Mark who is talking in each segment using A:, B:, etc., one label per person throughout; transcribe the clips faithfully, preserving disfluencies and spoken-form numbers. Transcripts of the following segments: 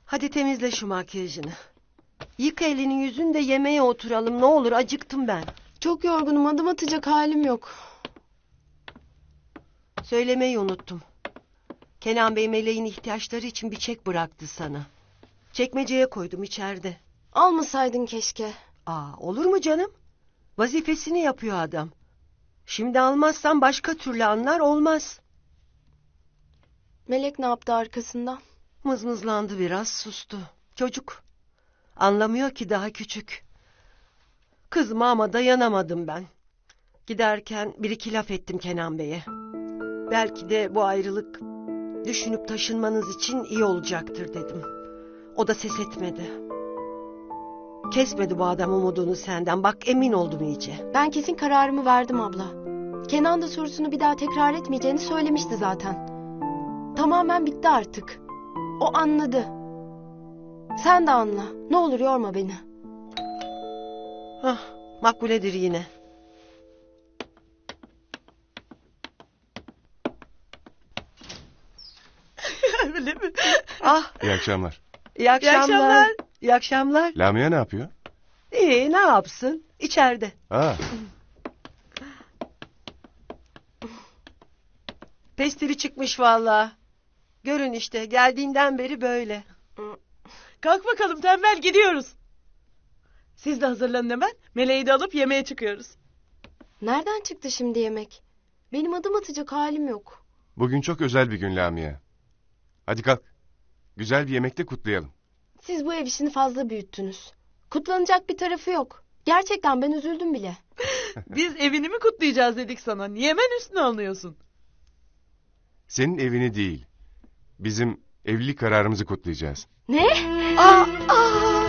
A: Hadi temizle şu makyajını. Yıka elini yüzünü de yemeğe oturalım. Ne olur, acıktım ben.
B: Çok yorgunum, adım atacak halim yok.
A: Söylemeyi unuttum. Kenan Bey Meleğin ihtiyaçları için bir çek bıraktı sana. Çekmeceye koydum içeride.
B: Almasaydın keşke.
A: Aa, olur mu canım? Vazifesini yapıyor adam. Şimdi almazsan başka türlü anlar, olmaz.
B: Melek ne yaptı arkasından?
A: Mızmızlandı biraz, sustu. Çocuk. Anlamıyor ki, daha küçük. Kızma ama dayanamadım ben. Giderken bir iki laf ettim Kenan Bey'e. Belki de bu ayrılık düşünüp taşınmanız için iyi olacaktır dedim. O da ses etmedi. Kesmedi bu adam umudunu senden. Bak, emin oldum iyice.
B: Ben kesin kararımı verdim abla. Kenan da sorusunu bir daha tekrar etmeyeceğini söylemişti zaten. Tamamen bitti artık. O anladı. Sen de anla. Ne olur yorma beni.
A: Hah, makbuledir yine.
C: Öyle mi?
A: Ah,
D: İyi akşamlar.
A: iyi akşamlar.
C: akşamlar.
A: İyi akşamlar.
D: Lamia ne yapıyor?
A: İyi, ne yapsın? İçeride.
D: Aa,
A: Pestili çıkmış vallahi. Görün işte, geldiğinden beri böyle.
C: Kalk bakalım tembel, gidiyoruz. Siz de hazırlanın hemen. Meleği de alıp yemeğe çıkıyoruz.
B: Nereden çıktı şimdi yemek? Benim adım atacak halim yok.
D: bugün çok özel bir gün Lamia. Hadi kalk. Güzel bir yemekte kutlayalım.
B: Siz bu ev işini fazla büyüttünüz. Kutlanacak bir tarafı yok. Gerçekten ben üzüldüm bile.
C: Biz evini mi kutlayacağız dedik sana. Niye hemen üstüne alınıyorsun?
D: Senin evini değil, bizim evlilik kararımızı kutlayacağız.
B: Ne?
A: Aa, aa.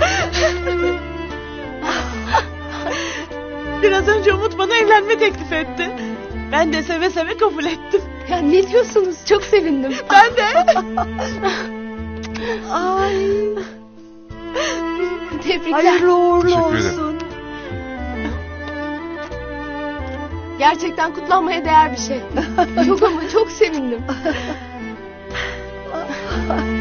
C: Biraz önce Umut bana evlenme teklif etti. Ben de seve seve kabul ettim.
B: Ya ne diyorsunuz? Çok sevindim.
C: Ben de.
A: Ay,
B: Tebrikler.
A: hayırlı uğurlu
D: Teşekkür ederim.
A: olsun.
B: Gerçekten kutlanmaya değer bir şey. Çok ama çok sevindim.